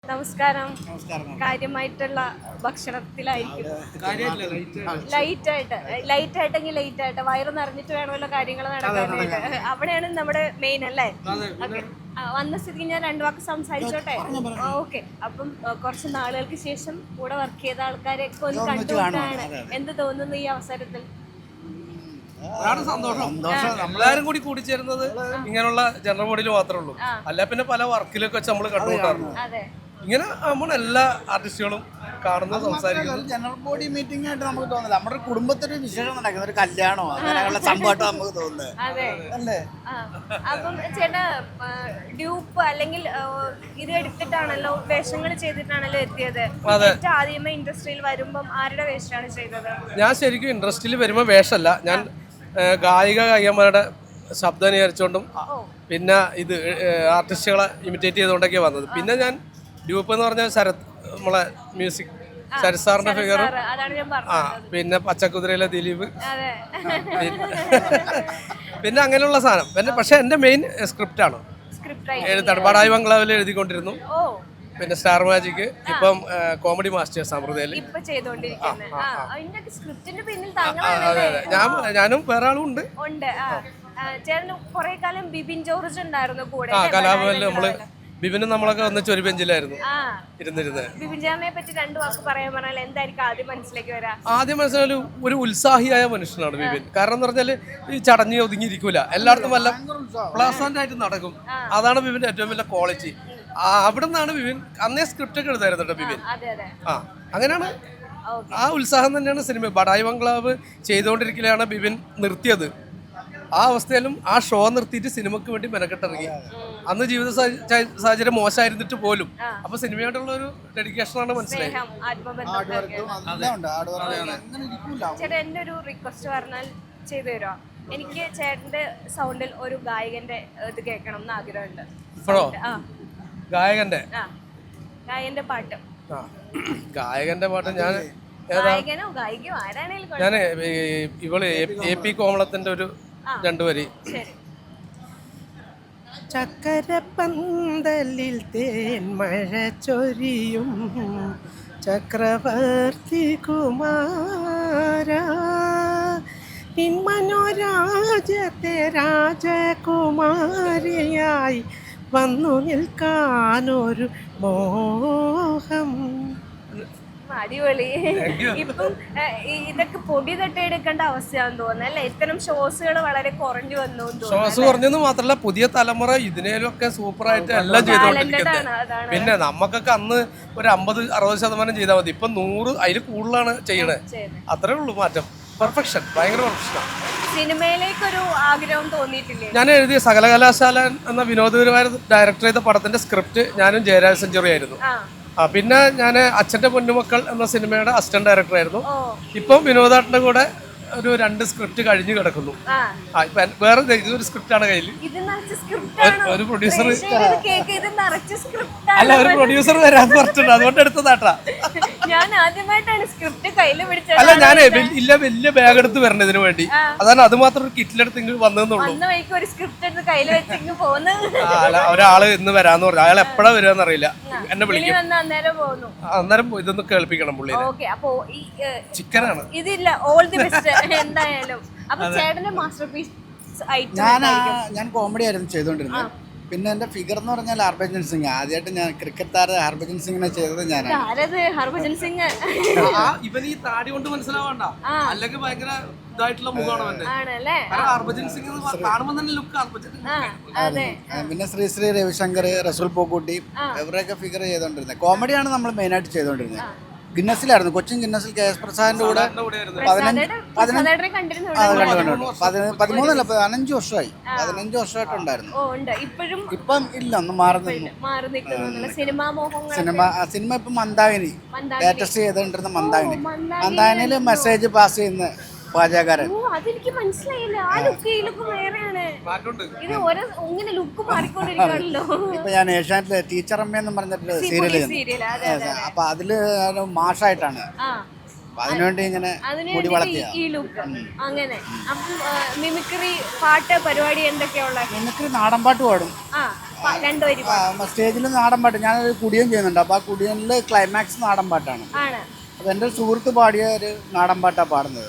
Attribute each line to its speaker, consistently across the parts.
Speaker 1: നമസ്കാരം. കാര്യമായിട്ടുള്ള ഭക്ഷണത്തിലായിരിക്കും. ലൈറ്റായിട്ടെങ്കിൽ ലൈറ്റായിട്ട് വയറ് നിറഞ്ഞിട്ട് വേണമല്ലോ കാര്യങ്ങൾ നടക്കാനായിട്ട്. അവിടെയാണ് നമ്മുടെ മെയിൻ അല്ലേ? ഓക്കെ, വന്ന സ്ഥിതിക്ക് ഞാൻ രണ്ടു വാക്ക് സംസാരിച്ചോട്ടെ. ഓക്കെ, അപ്പം കുറച്ച് നാളുകൾക്ക് ശേഷം കൂടെ വർക്ക് ചെയ്ത ആൾക്കാരെ ഒന്ന് കണ്ടുകൊണ്ടാണ്. എന്ത് തോന്നുന്നു ഈ അവസരത്തിൽ?
Speaker 2: സന്തോഷം. നമ്മളാരും കൂടി കൂടിച്ചേരുന്നത് ഇങ്ങനെയുള്ള ജനറൽ ബോഡിയിൽ മാത്രമേ ഉള്ളൂ. അല്ല പിന്നെ പല വർക്കിലൊക്കെ വെച്ച് നമ്മൾ കണ്ടുകൊണ്ടായിരുന്നു. ഇങ്ങനെ നമ്മൾ എല്ലാ ആർട്ടിസ്റ്റുകളും കാണുന്ന സംസാരിക്കുന്നത്
Speaker 3: ജനറൽ ബോഡി മീറ്റിംഗ് ആയിട്ട് നമുക്ക് തോന്നില്ല. നമ്മുടെ കുടുംബത്തിന് വിശേഷം നടക്കുന്ന ഒരു കല്യാണമോ അങ്ങനെയുള്ള സംഭവമായിട്ട് നമുക്ക് തോന്നുന്നത് അല്ലേ?
Speaker 1: അപ്പം ചേട്ടാ ഡ്യൂപ്പ് അല്ലെങ്കിൽ ഇത് എടുത്തിട്ടാണല്ലോ, വേഷങ്ങൾ ചെയ്തിട്ടാണല്ലോ എത്തിയത്. ആദ്യമേ ഇൻഡസ്ട്രിയിൽ വരുമ്പം ആരുടെ വേഷമാണ് ചെയ്തത്?
Speaker 2: ഞാൻ ശരിക്കും ഇൻഡസ്ട്രിയിൽ വരുമ്പോൾ വേഷമല്ല, ഞാൻ ഗായികമാരുടെ ശബ്ദം അനുകരിച്ചുകൊണ്ടും പിന്നെ ഇത് ആർട്ടിസ്റ്റുകളെ ഇമിറ്റേറ്റ് ചെയ്തുകൊണ്ടൊക്കെയാണ് വന്നത്. പിന്നെ ഞാൻ ഡ്യൂപ്പ് എന്ന് പറഞ്ഞാൽ ശരത്, നമ്മളെ മ്യൂസിക് ശരത് സാറിന്റെ ഫിഗറും, പിന്നെ പച്ചക്കുതിരയിലെ ദിലീപ്, പിന്നെ അങ്ങനെയുള്ള സാധനം. പിന്നെ പക്ഷെ എൻ്റെ മെയിൻ സ്ക്രിപ്റ്റാണ് എഴുത്താണ്. ബഡായി ബംഗ്ലാവിൽ എഴുതിക്കൊണ്ടിരുന്നു. പിന്നെ സ്റ്റാർ മാജിക്, ഇപ്പം കോമഡി മാസ്റ്റേഴ്സ് അമൃതയിൽ. ഞാനും വേറെ ആളും ഉണ്ട്. കലാഭവനിൽ നമ്മള് ബിബിനും നമ്മളൊക്കെ ഒന്നിച്ച് ഒരു ബെഞ്ചിലായിരുന്നു ഇരുന്നിരുന്നത്. ആദ്യം മനസ്സിലായാലും ഒരു ഉത്സാഹിയായ മനുഷ്യനാണ് ബിബിൻ. കാരണം എന്ന് പറഞ്ഞാല് ഈ ചടഞ്ഞ് ഒതുങ്ങിയിരിക്കൂല, എല്ലായിടത്തും വല്ല പ്ലാസന്റ് ആയിട്ട് നടക്കും. അതാണ് ബിബിന്റെ ഏറ്റവും വലിയ ക്വാളിറ്റി. അവിടെ നിന്നാണ് ബിബിൻ അന്നേ സ്ക്രിപ്റ്റ് ഒക്കെ എഴുതായിരുന്നു കേട്ടോ ബിബിൻ. അങ്ങനെയാണ് ആ ഉത്സാഹം തന്നെയാണ് സിനിമ. ബഡായി ബംഗ്ലാവ് ചെയ്തുകൊണ്ടിരിക്കലാണ് ബിബിൻ നിർത്തിയത്. ആ അവസ്ഥയിലും ആ ഷോ നിർത്തിയിട്ട് സിനിമക്ക് വേണ്ടി മെനക്കെട്ടിറങ്ങി. അന്ന് ജീവിത സാഹചര്യം മോശമായിരുന്നിട്ട് പോലും. അപ്പൊ സിനിമയായിട്ടുള്ള ഒരു ഡെഡിക്കേഷനാണ് മനസ്സിലായത്.
Speaker 1: ചേട്ടാ എന്റെ ഒരു റിക്വസ്റ്റ് പറഞ്ഞാൽ ചെയ്തു തരുമോ? എനിക്ക് ചേട്ടന്റെ സൗണ്ടിൽ ഒരു ഗായകന്റെ ഇത് കേൾക്കണം എന്ന് ആഗ്രഹമുണ്ട്.
Speaker 2: ഇപ്പോഴോ? ഗായകന്റെ
Speaker 1: പാട്ട്.
Speaker 2: ഗായകന്റെ പാട്ട് ഞാൻ ഇവള് AP കോമളത്തിന്റെ ഒരു രണ്ടുപേര്. ചക്കരപ്പന്തലിൽ തേന്മഴ ചൊരിയും ചക്രവർത്തി കുമാര, മനോരാജ്യത്തെ രാജകുമാരിയായി വന്നു നിൽക്കാനൊരു മോഹം.
Speaker 1: അടിപൊളി. ഇപ്പം ഇതൊക്കെ പൊടി തട്ടിയെടുക്കേണ്ട അവസ്ഥയാണെന്ന് തോന്നുന്നു അല്ലേ? ഇത്തരം ഷോസുകൾ വളരെ കുറഞ്ഞു വന്നു.
Speaker 2: ഷോസ് കുറഞ്ഞെന്ന് മാത്രമല്ല, പുതിയ തലമുറ ഇതിനൊക്കെ സൂപ്പറായിട്ട് എല്ലാം ചെയ്തുകൊണ്ടിരിക്കുന്നത്. പിന്നെ നമുക്കൊക്കെ അന്ന് ഒരു 50-60% ചെയ്താൽ മതി. ഇപ്പൊ 100 അതിൽ കൂടുതലാണ് ചെയ്യണേ. അത്രേ ഉള്ളൂ മാറ്റം. പെർഫെക്ഷൻ, ഭയങ്കര പെർഫെക്ഷനാണ്.
Speaker 1: സിനിമയിലേക്കൊരു ആഗ്രഹം തോന്നിയിട്ടില്ലേ?
Speaker 2: ഞാൻ എഴുതിയ സകലകലാശാല എന്ന വിനോദപരമായ ഡയറക്ടർ ചെയ്ത പടത്തിന്റെ സ്ക്രിപ്റ്റ് ഞാനും ജയരാജ് സെഞ്ചുറി ആയിരുന്നു. പിന്നെ ഞാൻ അച്ഛൻ്റെ പൊന്നുമക്കൾ എന്ന സിനിമയുടെ അസിസ്റ്റന്റ് ഡയറക്ടർ ആയിരുന്നു. ഇപ്പം വിനോദാട്ടിന്റെ കൂടെ ഒരു 2 സ്ക്രിപ്റ്റ് കഴിഞ്ഞു കിടക്കുന്നു. വേറെ ഒരു സ്ക്രിപ്റ്റാണ് കയ്യിൽ. ഒരു പ്രൊഡ്യൂസർ അല്ല, ഒരു പ്രൊഡ്യൂസർ വരാന്ന് പറഞ്ഞിട്ടുണ്ട്, അതുകൊണ്ട് എടുത്തതാട്ടാ. അല്ല, ഞാൻ വലിയ ബാഗ് എടുത്ത് വരണം ഇതിനു വേണ്ടി. അതാണ് അത് മാത്രം ഒരു കിറ്റിലെടുത്ത് ഇങ്ങോട്ട് വന്നതെന്നുള്ളൂ. ഒരാള് ഇന്ന് വരാന്ന് പറഞ്ഞു. അയാൾ എപ്പോഴാ വരികയെന്ന് അറിയില്ല. എന്നെ വിളിക്കും, അന്നേരം ഇതൊന്ന് കേൾപ്പിക്കണം പുള്ളി. ചിക്കനാണ്
Speaker 1: ഇതില്ല. ഓൾ ദി ബെസ്റ്റ് എന്തായാലും. അപ്പൊ ചേട്ടന്റെ മാസ്റ്റർപീസ്
Speaker 3: ഞാൻ കോമഡി ആയിരുന്നു ചെയ്തോണ്ടിരുന്നത്. പിന്നെ എന്റെ ഫിഗർ എന്ന് പറഞ്ഞാൽ ഹർഭജൻ സിംഗ്. ആദ്യമായിട്ട് ഞാൻ ക്രിക്കറ്റ് താരം ഹർഭജൻ സിംഗിനെ ചെയ്തത് ഞാനാണ്.
Speaker 1: ഹർഭജൻ സിംഗ്
Speaker 2: ഇവൻ ഈ താടി കൊണ്ട് മനസ്സിലാവണ്ട, അല്ലെങ്കിൽ ഭയങ്കര ഇതായിട്ടുള്ള മുഖമാണ്. ഹർഭജൻ സിംഗ് കാണുമ്പോൾ തന്നെ ലുക്ക്.
Speaker 3: പിന്നെ ശ്രീ രവിശങ്കർ, റസൂൽ പൂക്കുട്ടി, ഇവരെയൊക്കെ ഫിഗർ ചെയ്തോണ്ടിരുന്നത്. കോമഡിയാണ് നമ്മൾ മെയിനായിട്ട് ചെയ്തോണ്ടിരുന്നത്. ഗിന്നസിലായിരുന്നു, കൊച്ചിൻ ഗിന്നസിൽ KS പ്രസാദിന്റെ കൂടെ 15 വർഷമായി. 15 വർഷമായിട്ടുണ്ടായിരുന്നു. ഇപ്പം ഇല്ല, ഒന്ന് മാറി നിന്നു. സിനിമ ഇപ്പം മന്ദാകിനി ലേറ്റസ്റ്റ് ചെയ്തോണ്ടിരുന്ന മന്ദാകിനിയിൽ മെസ്സേജ് പാസ് ചെയ്യുന്ന പാചകക്കാരൻ. ഇപ്പൊ ഞാൻ ഏഷ്യാനെറ്റിലെ ടീച്ചർ അമ്മ എന്ന് പറഞ്ഞിട്ട് സീരിയൽ, അപ്പൊ അതില് മാഷായിട്ടാണ്. അതിനുവേണ്ടി ഇങ്ങനെ മുടി വളർത്തിയ
Speaker 1: മിമിക്രി പാട്ട് പരിപാടി എന്തൊക്കെയുള്ള?
Speaker 3: മിമിക്രി നാടൻ പാട്ട് പാടും,
Speaker 1: രണ്ടുപേരും
Speaker 3: സ്റ്റേജിൽ നാടൻ പാട്ട് ഞാനൊരു കുടിയൻ ചെയ്യുന്നുണ്ട്. അപ്പോൾ ആ കുടിയനിൽ ക്ലൈമാക്സ് നാടൻ പാട്ടാണ്. അപ്പോൾ എൻ്റെ ഒരു സുഹൃത്ത് പാടിയ ഒരു നാടൻ പാട്ടാണ് പാടുന്നത്.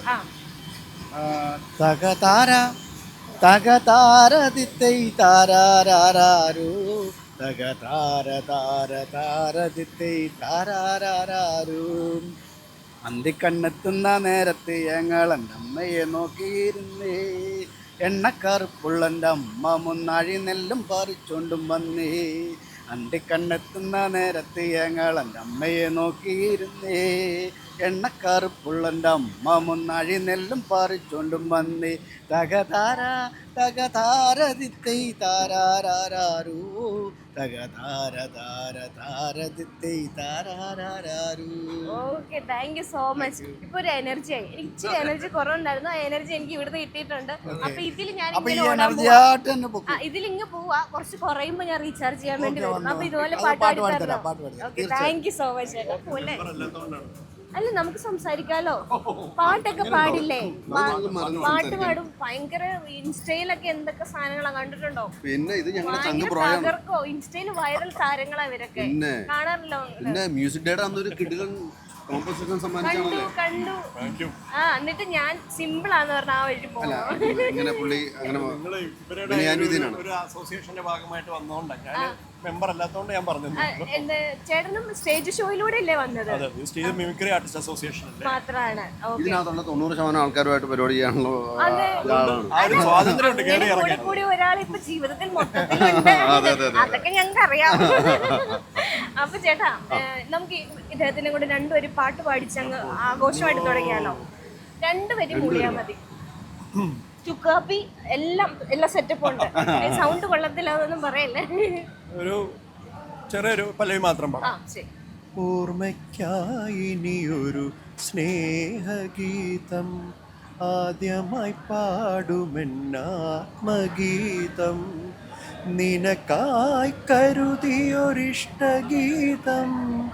Speaker 3: തകതാര തകതാര ദിത്തൈ താരാരാരോ തകതാര താര താര ദിത്തൈ താരാരാരോ അന്തിക്കണ്ണെത്തുന്ന നേരത്ത് ഞങ്ങളെൻ്റെ അമ്മയെ നോക്കിയിരുന്നേ എണ്ണക്കറുപ്പുള്ളൻ്റെ അമ്മ മുന്നാഴി നെല്ലും പറിച്ചോണ്ടും വന്നേ അന്തിക്കണ്ണെത്തുന്ന നേരത്ത് ഞങ്ങളെൻ്റെ അമ്മയെ നോക്കിയിരുന്നേ എണ്ണക്കറുപ്പുള്ളൻ്റെ അമ്മ മുന്നാഴി നെല്ലും പറിച്ചോണ്ടും വന്നേ തകതാര തകതാര ദിത്തൈ താരാരാരോ തകതാര താര താര ദിത്തൈ താരാരാരോ.
Speaker 1: Okay, thank you so much. ഇപ്പൊ ഒരു എനർജി ആയി. എനിക്ക് ഇച്ചിരി എനർജി കുറവുണ്ടായിരുന്നു. ആ എനർജി എനിക്ക് ഇവിടുന്ന് കിട്ടിയിട്ടുണ്ട്. അപ്പൊ ഇതിൽ ഞാൻ ഇതിലിങ്ങ് പോവാ, കുറച്ച് കുറയുമ്പോ ഞാൻ റീചാർജ് ചെയ്യാൻ വേണ്ടി വരും. അപ്പൊ ഇതുപോലെ പാട്ട് പാടിത്തരാം. Okay, thank you so much. പോലെ അല്ല, നമുക്ക് സംസാരിക്കാലോ. പാട്ടൊക്കെ പാടില്ലേ? പാട്ട് പാടും. ഭയങ്കര ഇൻസ്റ്റയിലൊക്കെ എന്തൊക്കെ സാധനങ്ങളാ കണ്ടിട്ടുണ്ടോ?
Speaker 4: പിന്നെ ഇത്
Speaker 1: തകർക്കോ. ഇൻസ്റ്റയിൽ വൈറൽ താരങ്ങളാ ഇവരൊക്കെ. കാണാറില്ലോ?
Speaker 4: പിന്നെ മ്യൂസിക് ഡേയുടെ അന്നൊരു കിടിലൻ കോമ്പസിഷൻ സമ്മാനിച്ചാണല്ലോ.
Speaker 1: കണ്ടു. എന്നിട്ട് ഞാൻ സിമ്പിൾ ആന്ന് പറഞ്ഞ ആ വഴി പോകും.
Speaker 4: ഇങ്ങനെ പുള്ളി അങ്ങനെ
Speaker 5: ഒരു അസോസിയേഷന്റെ ഭാഗമായിട്ട് വന്നോണ്ടാണ് ഞാൻ മെമ്പർ അല്ലാത്തതുകൊണ്ട് ഞാൻ പറഞ്ഞു.
Speaker 1: ചേട്ടനും സ്റ്റേജ് ഷോയിലൂടെ അല്ലേ വന്നത്?
Speaker 5: സ്റ്റേജ് മിമിക്രി ആർട്ടിസ്റ്റ് അസോസിയേഷൻ
Speaker 1: മാത്രമാണ്.
Speaker 4: ഇതിനകത്തുള്ള 90% ആൾക്കാരുമായിട്ട് പരിപാടി ചെയ്യാനുള്ള
Speaker 5: സ്വാതന്ത്ര്യമുണ്ട്.
Speaker 1: കൂടി ഒരാൾ ഇപ്പൊ ജീവിതത്തിൽ മൊത്തത്തിലുണ്ട്. അതൊക്കെ ഞങ്ങൾക്ക് അറിയാം. അപ്പൊ ചേട്ടാ, നമുക്ക് ഇദ്ദേഹത്തിനെ കൂടെ രണ്ടുപേരും പാട്ട് പാടിച്ചങ്ങ് ആഘോഷമായിട്ട് തുടങ്ങിയാലോ? രണ്ടുപേരും മൂളിയാ മതി. ചുക്കാപ്പി എല്ലാ സെറ്റപ്പും ഉണ്ട്. സൗണ്ട് കൊള്ളത്തില്ല, അതൊന്നും പറയല്ലേ.
Speaker 5: ഒരു ചെറിയൊരു പല്ലവി മാത്രം പാടാം.
Speaker 6: ഓർമ്മയ്ക്കായിനിയൊരു സ്നേഹഗീതം ആദ്യമായി പാടുമെന്നാത്മഗീതം നിനക്കായി കരുതിയൊരിഷ്ടഗീതം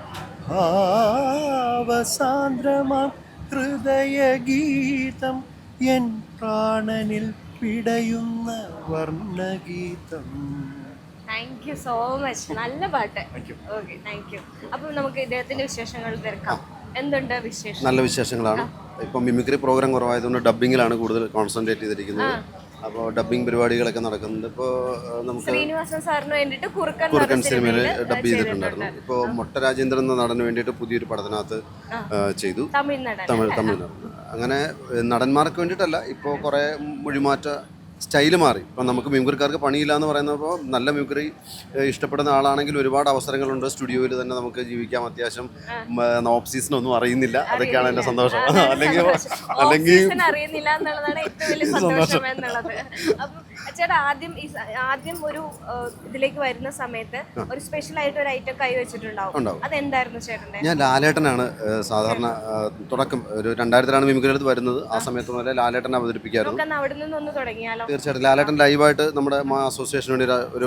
Speaker 6: ഭാവസാന്ദ്രമാം ഹൃദയഗീതം എൻ പ്രാണനിൽ പിടയുന്ന വർണ്ണഗീതം.
Speaker 1: Thank you so much. നല്ല പാട്ട്. Okay, thank you. അപ്പം നമുക്ക് ഇദ്ദേഹത്തിന്റെ വിശേഷങ്ങൾ തിരക്കാം. എന്തുണ്ട് വിശേഷം?
Speaker 4: നല്ല വിശേഷങ്ങളാണ്. ഇപ്പം മിമിക്രി പ്രോഗ്രാം കുറവായതുകൊണ്ട് ഡബ്ബിങ്ങിലാണ് കൂടുതൽ കോൺസെൻട്രേറ്റ് ചെയ്തിരിക്കുന്നത്. അപ്പോൾ ഡബ്ബിംഗ് പരിപാടികളൊക്കെ നടക്കുന്നുണ്ട്. ഇപ്പോൾ നമുക്ക്
Speaker 1: ശ്രീനിവാസൻ സാറിന് വേണ്ടിയിട്ട്
Speaker 4: കുറുക്കൻ സിനിമയിൽ ഡബ് ചെയ്തിട്ടുണ്ടായിരുന്നു. ഇപ്പോൾ മൊട്ട രാജേന്ദ്രൻ എന്ന നടന് വേണ്ടിയിട്ട് പുതിയൊരു പടത്തിനകത്ത് ചെയ്തു. തമിഴ് അങ്ങനെ നടന്മാർക്ക് വേണ്ടിയിട്ടല്ല, ഇപ്പോൾ കുറേ മൊഴിമാറ്റ സ്റ്റൈല് മാറി. ഇപ്പം നമുക്ക് മിമിക്രിക്കാർക്ക് പണിയില്ല എന്ന് പറയുന്നപ്പോൾ നല്ല മിമിക്രി ഇഷ്ടപ്പെടുന്ന ആളാണെങ്കിൽ ഒരുപാട് അവസരങ്ങളുണ്ട്. സ്റ്റുഡിയോയിൽ തന്നെ നമുക്ക് ജീവിക്കാം. അത്യാവശ്യം ഓഫ് സീസൺ ഒന്നും അറിയുന്നില്ല. അതൊക്കെയാണ് എൻ്റെ സന്തോഷം. അല്ലെങ്കിൽ
Speaker 1: അറിയുന്നില്ല എന്നുള്ളതാണ് ഏറ്റവും വലിയ സന്തോഷം എന്നുള്ളത്. അപ്പം ചേട്ടാ, ആദ്യം ഒരു ഇതിലേക്ക് വരുന്ന സമയത്ത് ഒരു സ്പെഷ്യൽ ആയിട്ട് ഒരു ഐറ്റം കൈവച്ചിട്ടുണ്ടാവും. അതെന്തായിരുന്നു ചേട്ടൻ്റെ?
Speaker 4: ഞാൻ ലാലേട്ടനാണ് സാധാരണ തുടക്കം. ഒരു 2000-ലാണ് മിമിക്രി എടുത്ത് വരുന്നത്. ആ സമയത്ത് മുതലേ ലാലേട്ടൻ അവതരിപ്പിക്കാറുണ്ട്.
Speaker 1: അവിടെ നിന്നൊന്ന് തുടങ്ങിയാലോ?
Speaker 4: തീർച്ചയായിട്ടും. ലാലേട്ടൻ ലൈവായിട്ട് നമ്മുടെ അസോസിയേഷന് വേണ്ടി ഒരു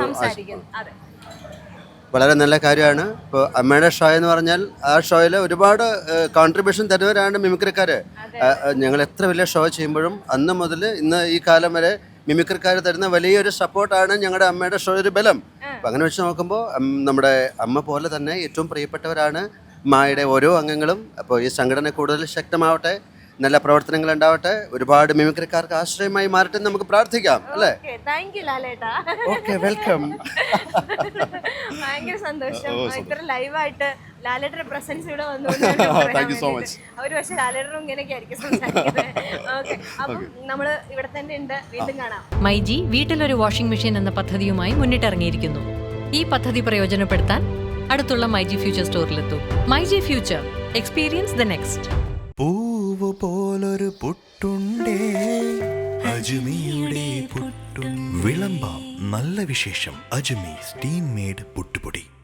Speaker 4: വളരെ നല്ല കാര്യമാണ്. ഇപ്പോൾ അമ്മയുടെ ഷോ എന്ന് പറഞ്ഞാൽ ആ ഷോയിൽ ഒരുപാട് കോൺട്രിബ്യൂഷൻ തരുന്നവരാണ് മിമിക്രിക്കാർ. ഞങ്ങൾ എത്ര വലിയ ഷോ ചെയ്യുമ്പോഴും അന്ന് മുതൽ ഇന്ന് ഈ കാലം വരെ മിമിക്രിക്കാർ തരുന്ന വലിയൊരു സപ്പോർട്ടാണ് ഞങ്ങളുടെ അമ്മയുടെ ഷോ ഒരു ബലം. അപ്പം അങ്ങനെ വെച്ച് നോക്കുമ്പോൾ നമ്മുടെ അമ്മ പോലെ തന്നെ ഏറ്റവും പ്രിയപ്പെട്ടവരാണ് മായുടെ ഓരോ അംഗങ്ങളും. അപ്പോൾ ഈ സംഘടന കൂടുതൽ ശക്തമാവട്ടെ, നല്ല പ്രവർത്തനങ്ങൾ ഉണ്ടാവട്ടെ, ഒരുപാട് മിമിക്രിക്കാർക്ക് ആശ്രയമായി മാറട്ടെ നമുക്ക് പ്രാർത്ഥിക്കാം. അല്ലേ? Okay, welcome.
Speaker 1: ഭയങ്കര സന്തോഷം. ഇത്ര ലൈവായിട്ട് ലാലേട്ടന്റെ പ്രസൻസ് ഇവിടെ വന്നു.
Speaker 4: Thank you so much.
Speaker 1: ഒരു പക്ഷേ ലാലേട്ടനും ഇങ്ങനെയൊക്കെ ആയിരിക്കും സംസാരിക്കുന്നത്. ഓക്കെ, അപ്പം നമ്മള് ഇവിടെ തന്നെ ഉണ്ട്. വീണ്ടും കാണാം.
Speaker 7: മൈജി വീട്ടിലൊരു വാഷിംഗ് മെഷീൻ എന്ന പദ്ധതിയുമായി മുന്നിട്ടിറങ്ങിയിരിക്കുന്നു. ഈ പദ്ധതി പ്രയോജനപ്പെടുത്താൻ അടുത്തുള്ള മൈജി ഫ്യൂച്ചർ സ്റ്റോറിലെത്തൂ. MyG future, experience the next.
Speaker 6: പൂവ് പോലൊരു പുട്ടുണ്ടേ അജ്മിയുടെ പുട്ടും വിളമ്പാം നല്ല വിശേഷം. അജ്മി സ്റ്റീം മെയ്ഡ് പുട്ടുപൊടി.